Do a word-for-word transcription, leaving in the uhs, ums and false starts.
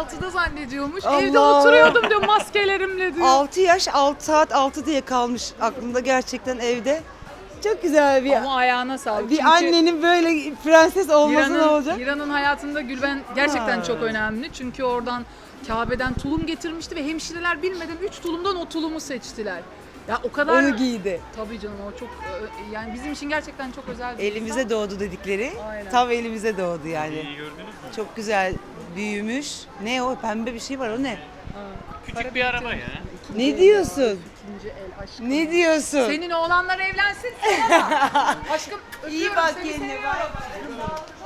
altıda zannediyormuş. Allah. Evde oturuyordum diyor maskelerimle diyor. altı yaş altı saat altı diye kalmış aklımda gerçekten evde. Çok güzel bir Ama ayağına sağlık. bir Çünkü annenin böyle prenses olması ne Hira'nın, olacak? Hira'nın hayatında Gülben gerçekten Ha. çok önemli. Çünkü oradan Kabe'den tulum getirmişti ve hemşireler bilmeden üç tulumdan o tulumu seçtiler. Ya o kadar... Onu giydi. Tabii canım o çok e, yani bizim için gerçekten çok özel bir Elimize insan. doğdu dedikleri. Aynen. Tam elimize doğdu yani. İyi gördünüz mü? Çok güzel büyümüş. Ne o pembe bir şey var o ne? Ha. Küçük bir araba ya. Ne diyorsun? İkinci el aşkım. Ne diyorsun? Senin oğlanlar evlensin sana. Aşkım öpüyorum İyi bak seni, kendine seviyorum. bak.